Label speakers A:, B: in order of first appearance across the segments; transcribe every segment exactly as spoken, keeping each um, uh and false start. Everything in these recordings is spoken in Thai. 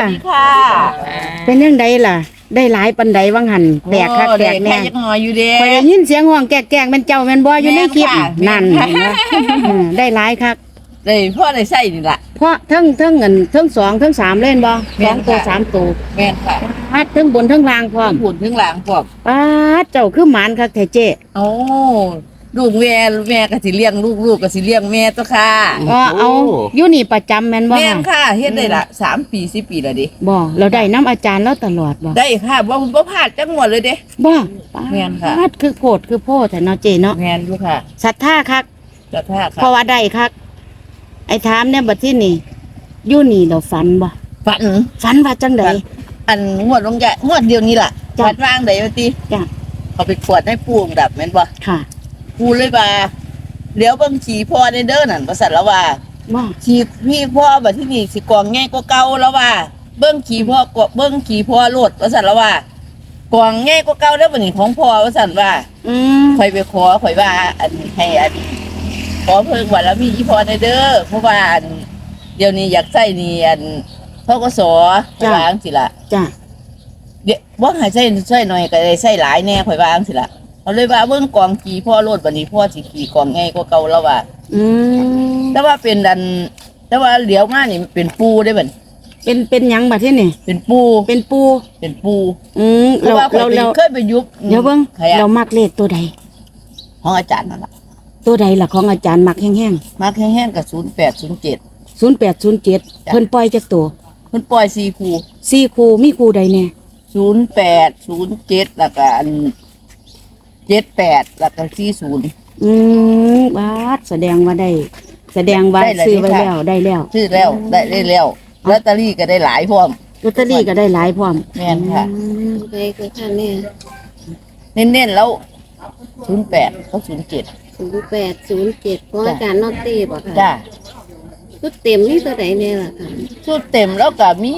A: ค่ะ
B: เป็นยังไงล่ะได้หลายปันใดวังหันแตกคักแตกแน่
A: ยังน้อยอยู่เด้
B: คอยได้ยินเสียงห้องแกกๆเป็นเจ้าแม่นบ่อยู่ในคลิปนั่นได้หลายคัก
A: ได้พ่อได้ใส่นี่ล่ะ
B: เพราะทั้งทั้งเงินทั้งสองทั้งสามเล่นบ่สองตัวสามตัว
A: แม่นค่ะ
B: ปัดทั้งบนทั้งล่างพร้อม
A: บุญทั้งหลังพร้อม
B: ปัดเจ้าคือหมานคักแท้เจ้
A: โอ้ลูกแม่แม่ก็สิเลี้ยงลูกลูกก็สิเลี้ยงแม่ตัวค่ะ
B: อ๋อเอาอยู่นี่ประจำแม่นบ่
A: แม่นค่ะเฮ็ดได้ละสามปีสี่ปีแล้วดิ
B: บ่เราได้น้ำอาจารย์แล้วตลอดบ่
A: ได้ค่ะบ่บ่พลาดจังหวัดเลยเด้
B: บ่
A: แม่นค่ะ
B: คือโพดคือโพดแต่เนาะเจเนาะ
A: แม่นอยู่ค่ะ
B: ศรัทธาคัก
A: ศรัทธาค่ะ
B: เพราะว่าได้คักไอ้ถามเนี่ยบัดที่นี่อยู่นี่เราฝันบ่
A: ฝัน
B: ฝันว่าจังได๋
A: อันงวดลงใหญ่งวดเดียวนี้ล่ะฝันว่างได้ว่าติ
B: จ้ะ
A: เขาไปกวดให้ปู่ดับแม่นบ่
B: ค่ะ
A: ปู่เลยว่าเดี๋ยวเบิ่งขี่พ่อในเด้อนั่นว่าซั่นแล้วว่า
B: ว่า
A: ขี่พี่พ่อบัดที่นี่สิกองใหญ่กว่าเก่าแล้วว่าเบิ่งขี่พ่อกเบิ่งขี่พ่อโลดว่าซั่นแล้วว่ากองใหญ่กว่าเก่าแล้วบัดนี้ของพ่อว่าซั่นว่า
B: อืม
A: ข่อยไปขอข่อยว่าอันให้อันขอเพิ่งว่าแล้วมีอีพ่อในเด้อเพราะว่าอันเดี๋ยวนี้อยากใช้นี่อันธกสข่อยว่าจังซี่ล่ะ
B: จ้ะ
A: เดี๋ยวบ่ให้ใช้ใช้หน่อยก็ได้ใช้หลายแน่ข่อยว่าจังซี่ล่ะเขาเลยว่าเบิ่งกองขี่พ่อโลดบัดนี้พ่อสิขี่กองใหญ่กว่าเก่าแล้วว่า
B: อืม
A: แต่ว่าเป็นดันแต่ว่าเหลียวมานี่เป็นปูได้บัด
B: เป็นเป็นหยังบัดที่นี่
A: เป็นปู
B: เป็นปู
A: เป็นปู
B: อืมเราเราเรา
A: เคยไปยุบ
B: เดี๋ยวเบิ่งเรามักเลขตัวใด
A: ของอาจารย์นั่นล่ะ
B: ตัวใดล่ะของอาจารย์มักแห้ง
A: ๆมักแห้งๆก็ศูนย์แปด ศูนย์เจ็ด
B: ศูนย์แปด ศูนย์เจ็ดเพิ่นปล่อยจักตัว
A: เพิ่นปล่อยสี่คู่
B: สี่คู่มีคู่ใดแน่
A: ศูนย์แปด ศูนย์เจ็ดแล้วก็อันเจ็ดแปดแล้วก็สี่สิบ
B: อืมบาดแสดงว่าได้แสดงว่าซื้อไว้แล้วได้แล้ว
A: ซื้อแล้วได้ได้แล้วลอตเตอรี่ก็ได้หลายพร้อม
B: ลอตเตอรี่ก็ได้หลายพร้อม
A: แม่นค่ะ
C: ไปคือค่ะแม่
A: เน้นๆแล้วศูนย์แปดเขาศูนย์เจ็ด
C: ศูนย์แปด ศูนย์เจ็ดของอาจารย์นอตตี้บ่ค่ะ
A: จ้า
C: ชุดเต็มนี่ตัวไหนเนี่ยล่ะค่ะ
A: ชุดเต็มแล้วก็มี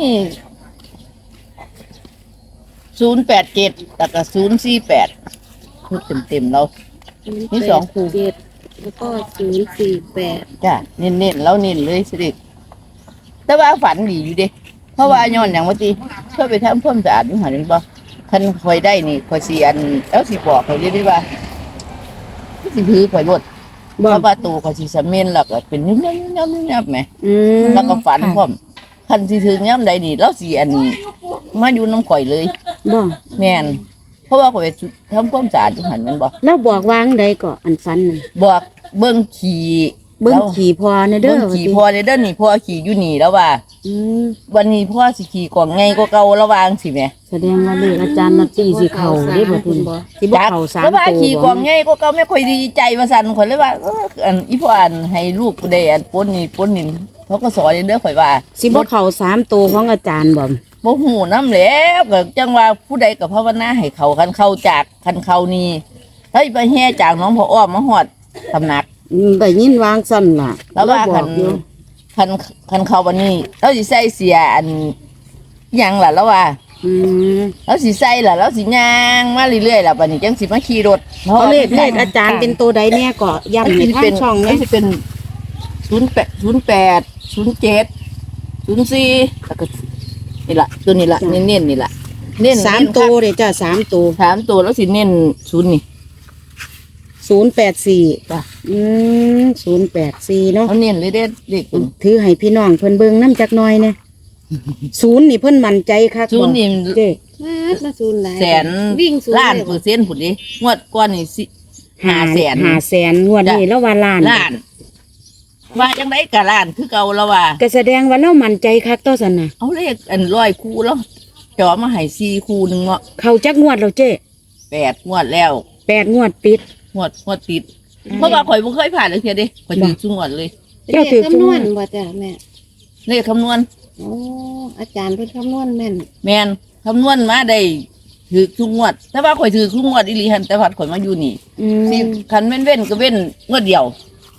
A: ศูนย์แปดเจ็ดแล้วก็ศูนย์สี่แปดชุดเต็มๆแล้วนี่สองคู่
C: เจ็ดแล้วก็ศูนย์สี่แปด
A: จ้าเน้นๆแล้วเน้นเลยสิแต่ว่าฝันดีอยู่เด้เพราะว่าย้อนอย่างว่าตีเพื่อไปทำความสะอาดอยู่หันนี่บ่คันคอยได้นี่คอยสีอันแล้วสีบอกเขาเรียกได้ว่าสิถือคอยรถเพราะว่าตัวคอยสีสเมนหลักเป็นยุ่มยุ่มยุ่มยุ่มไหมแล้วก็ฝันพร้อมคันสีถือย่ำใดนี่แล้วสีอันมาอยู่น้ำข่อยเลย
B: บ่
A: แม่นเพราะว่าคอยทำความสะอาดอยู่หันมันบ่
B: แล้วบอกวางใดก็อันฝันน่ะ
A: บอกเบิ้งขี่
B: เบิ้งขี่พอในเด้อ
A: เบิ้งขี่พอในเด้อนี่พ่อขี่อยู่นี่แล้วว่า
B: อืม
A: วันนี้พ่อสิขี่กล่องไงก็เก่าระวางสิแม่
B: แสดงว่าเลขอาจารย์นัตตี้สิเข้าได้บ่คุณบ่สิบ่เข้าสามตัวบ่
A: ว่าขี่กล่องไงก็เก่าไม่ค่อยดีใจว่าซั่นข่อยเลยว่าเอออันอีพ่ออันให้ลูกได้อันปนนี่ปนนี่เขาก็สอนเด้อข่อยว่า
B: สิบ่เข้าสามตัวของอาจารย์บ่
A: บ่ฮู้นำแล้วก็จังว่าผู้ใดก็ภาวนาให้เขาคันเข้าจากคันเข้านี่เฮ้ยไปแห่จากน้องพ่ออ้อมมาฮอดตำหนัก
B: ได้ยินวางสั่นล่ะ
A: แล้วว่าคันคันคันเข้าวันนี้เราสิใส่เสียอันยังล่ะแล้วว่า
B: อืม
A: แล้วสิใส่ล่ะแล้วสิย่างมาเรื่อยๆล่ะบัดนี้จังสิมาขี่รถ
B: เพราะเลขเลขอาจารย์เป็นตัวใดแน่ก็ย้ำให้ทางช่องนี้
A: สิเป็นศูนย์แปด ศูนย์แปด ศูนย์เจ็ด ศูนย์สี่แล้วก็นี่ล่ะตัวนี้ล่ะเน้นๆนี่ล่ะ
B: เน้นสามตัวเด้จ้ะสามตัว
A: สามตัวแล้วสิเน้นศูนย์นี่
B: ศูนย์แปดสี่จ้ะอืมศูนย์แปดสี่เนาะ
A: เขาเน้นเลยเด้เด็ก
B: ถือให้พี่น้องเพิ่นเบิ่งน้ำจักหน่อยเนี่ยศูนย์นี่เพิ่นมั่นใจค่ะ
A: ศูนย์นี่
B: เด้
C: มาศูนย์หลาย
A: แสนวิ่งล้านเปอร์เซ็นต์พุ่นดิงวดก่อนนี่สิห้าแสน
B: ห้าแสนงวดนี้แล้วว่าล้าน
A: ล้านว่าจังได๋ก็ล้านคือเก่าแล้วว่า
B: ก็แสดงว่าเรามั่นใจคักต่อซั่นน่ะ
A: เอาเลขอันร้อยคู่แล้วจ่อมาให้สี่คู่นึงเนาะ
B: เข้าจักงวดแล้วเจ้
A: แปดงวดแล้ว
B: แปดงวดปิด
A: งวดงวดติดเพราะว่าข่อยบ่เคยผ่านเลยเทียเด้ข่อยถือทุกงวดเลย
C: เจ้าถือคำนวณบ่จ้ะแม่
A: เลขคำนวณ
C: โอ้อาจารย์เพิ่นคำนวณแม่น
A: แม่นคำนวณมาได้ถือทุกงวดแต่ว่าข่อยถือทุกงวดอีหลีหั่นแต่พัดข่อยมาอยู่นี่สิคันเว้นๆก็เว้นงวดเดียว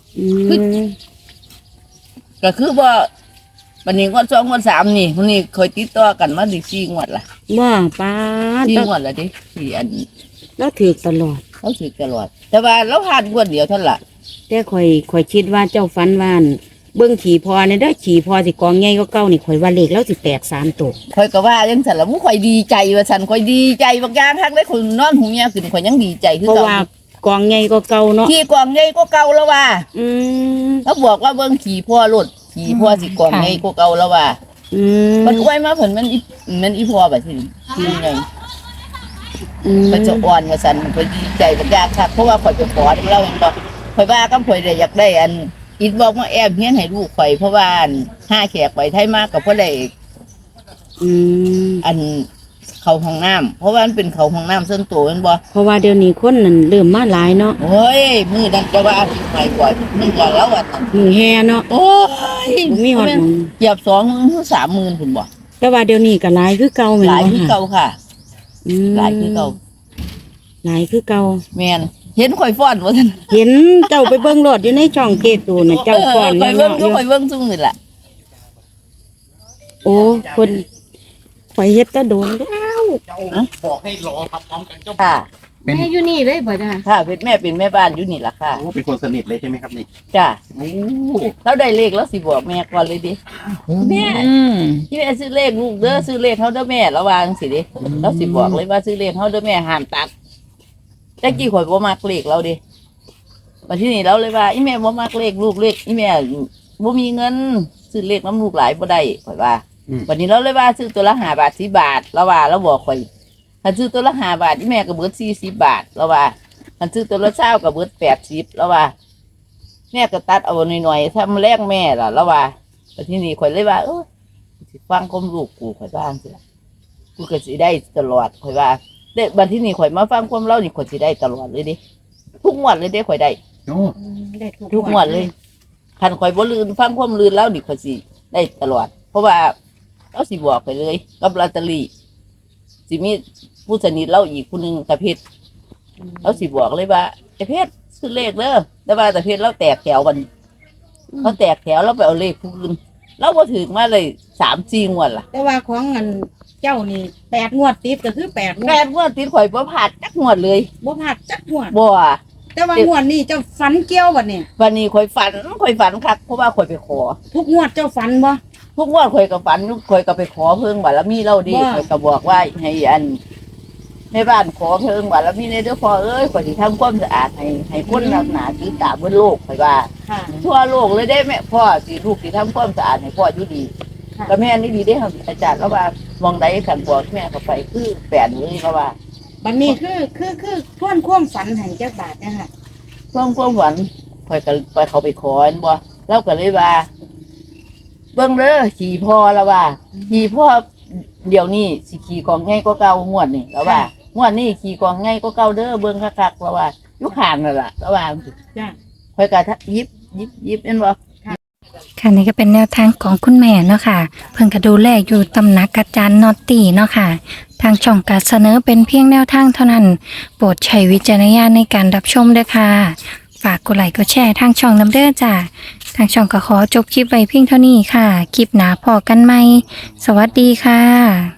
A: ก็คือว่าวันนี้งวดสองงวดสามนี่วันนี้ข่อยติดต่อกันมาได้สี่งวดล่ะ
B: ว่าป้า
A: สี่งวดแล้วเด้สี่อัน
B: แล้วถือตลอด
A: เขาถือตลอดแต่ว่าเราผ่านงวดเดียวเท่านั้นล่ะ
B: แต่ข่อยข่อยคิดว่าเจ้าฝันว่านเบิ่งขี่พอเนี่ยเด้อขี่พอสิกองใหญ่ก็เก่านี่ข่อยว่าเลขแล้วสิแตกสามตัว
A: ข่อยก็ว่าจังซั่นล่ะบ่ข่อยดีใจว่าซั่นข่อยดีใจบางอย่างคักได้ข่อยนอนหูเมียขึ้นข่อยยังดีใจคือ
B: เพราะ
A: เก่า
B: ว่ากองใหญ่ก็เก่าเนาะ
A: ขี่กองใหญ่ก็เก่าแล้วว่า
B: อืม
A: แล้วบอกว่าเบิ่งขี่พ่อรถขี่พ่อสิกองใหญ่ก็เก่าแล้วว่า
B: อืม
A: มันอวยมาเพิ่นมันอีมันอีพ่อบัดนี้คือไง
B: อืม
A: มันจะอ่อนว่าซั่นข่อยดีใจบางอย่างคักเพราะว่าข่อยไปขอเล่ามันบอกข่อยว่าก็ข่อยได้อยากได้อันอีบอกมาแอบเฮียนให้ลูกข่อยเพราะว่าอันห้าแขกไปไทยมากก็บ่ได้
B: อืม
A: อันเข้าห้องน้ำเพราะว่ามันเป็นเข้าห้องน้ำส่วนตัวแม่นบ่
B: เพราะว่าเดี๋ยวนี้คนนั่นเริ่มมาหลายเนาะ
A: โอ้ยมือนั้นจะว่าสิไปกว่ามึงกว่าแล้วอ่ะ
B: มือแห่เนาะ
A: โอ้ย
B: บ่มีฮอดหมู่
A: เหยียบสองหมื่นหรือสามหมื่นพุ่นบ่
B: แต่ว่าเดี๋ยวนี้ก็หลายคือเก่าแม่น
A: หลาย
B: บ่
A: คือ
B: ค่ะ
A: เก่าค่ะ
B: อืม
A: หลายคือเก่า
B: หลายคือเก่า
A: แม่นเห็นข่อยฟ้อนบ่ซั่น
B: เห็นเจ้าไปเบิ่งรถอยู่ในช่องเกตูน่ะเจ้าก่อน
A: ข่อย
B: เนาะ
A: เบิ่งก็ข่อยเบิ่งซุมื้อล่ะ
B: โอ้คนข่อยเฮ็ดแตะโดนแล้ว
D: บอกให้รอครับพร้อมกันเจ้า
A: ค่ะ
C: แม่อยู่นี่เลยบ่จ้ะ
A: ค่ะเป็นแม่เป็นแม่บ้านอยู่นี่ล่ะค่ะ
D: โอ้เป็นคนสนิทเลยใช่ไหมครับนี่
A: จ้ะ
D: โอ้
A: เราได้เลขแล้วสิบอกแม่ก่อนเลยดิแม่ที่แม่ซื้อเลขลูกเด้อซื้อเลขเฮาเด้อแม่ระวังสิดิเราสิบอกเลยว่าซื้อเลขเฮาเด้อแม่ห้ามตัดแต่กี้ข่อยบ่มักเลขเราดิมาที่นี่เราเลยว่าอีแม่บ่มักเลขลูกเลขอีแม่บ่มีเงินซื้อเลขน้ำลูกหลายบ่ได้ข่อยว่า วันนี้เราเลยว่าซื้อตัวละห้าบาทสิบบาทแล้วว่าเราบอกข่อยถ้าซื้อตัวละห้าบาทอีแม่ก็เบิดสี่สิบบาทแล้วว่าถ้าซื้อตัวละเช้าก็เบิดแปดสิบแล้วว่า แม่ก็ตัดเอาหน่อยๆถ้ามันแลกแม่ล่ะแล้วว่าวันที่นี่ข่อยเลยว่าเออสิฟังคมลูกกูข่อยบ้างสิล่ะกูก็สิได้ตลอดข่อยว่าเด็กบันที่นี่ข่อยมาฟังความเล่านี่ข่อยสิได้ตลอดเลยดิทุกงวดเลยเด้ข่อยได้
D: โอ้
C: ได้ทุก
A: ทุกงวดเลยคันข่อยบ่ลืนฟังความลืนแล้วนี่ข่อยสิได้ตลอด เพราะว่าเราสิบอกไปเลยกับลอตเตอรี่สิมีผู้สนิทเราอีกคนหนึ่งตะเพชรเราสิบอกเลยว่าตะเพชรซื้อเลขเด้อแต่ว่าตะเพชรเราแตกแถวกันเขาแตกแถวเราไปเอาเลขผู้อื่นเราบ่ถึงมาเลยสามสี่งวดล่ะ
B: แต่ว่าของเงินเจ้านี่แปดงวดติดก็คือแปดงว
A: แม่
B: ด
A: งวดติดข่อยบ่ผ่านจักงวดเลย
B: บ่พลาดจักงวด
A: บ่
B: แต่ว่างวดนี้เจ้าฝันเกี่ยวบ่เนี่ย
A: วันนี้ข่อยฝันข่อยฝันคักเพราะว่าข่อยไปขอ
B: ทุกงวดเจ้าฝันบ่
A: ทุกงวดข่อยก็ฝันข่อยก็ไปขอเพิ่งบารมีเราดี
B: ว่า
A: ข่อยก็บอกว่าให้อันแม่บ้านขอเพิ่งบารมีในเด้อพ่อเอ้ยข่อยสิทำความสะอาดให้ให้คนรักหนาถือตาบนโลกข่อยว่า
B: ค่ะ
A: ทั่วโลกเลยได้แม่พ่อสิลูกสิทำความสะอาดให้พ่ออยู่ดี
B: ค่ะ
A: ก็แม่นี่ดีได้ครับอาจารย์แล้วว่ามองใดขันบอกแม่เขาไปคือแปดเลยเขาว่า
B: บัดนี้คือคือคือทวนความฝันให้จักบาทนะคะ
A: ช่วงช่วงหวันข่อยก็ไปเขาไปขออันบ่แล้วก็เลยว่า เบิ่งเด้อขี่พ่อแล้วว่าขี่พ่อเดี๋ยวนี้สิขี่กองง่ายก็เก่างวดนี่แล้วว่างวดนี้ขี่กองง่ายก็เก่าเด้อเบิ่งคักๆแล้วว่าอยู่ข้างนั่นล่ะแล้วว่า
B: จ้ะ
A: ข่อยก็ยิบยิบยิบเห็นบ่
E: ค่ะนี่ก็เป็นแนวทางของคุณแม่เนาะค่ะ เพิ่งก็ดูแลอยู่ตำหนักอาจารย์นอตตี้เนาะค่ะ ทางช่องการเสนอเป็นเพียงแนวทางเท่านั้น โปรดใช้วิจารณญาณในการรับชมด้วยค่ะ ฝากกดไลค์กดแชร์ทางช่องน้ำเด้อจ้ะทางช่องก็ขอจบคลิปไว้เพียงเท่านี้ค่ะ คลิปหนาพอกันไหม สวัสดีค่ะ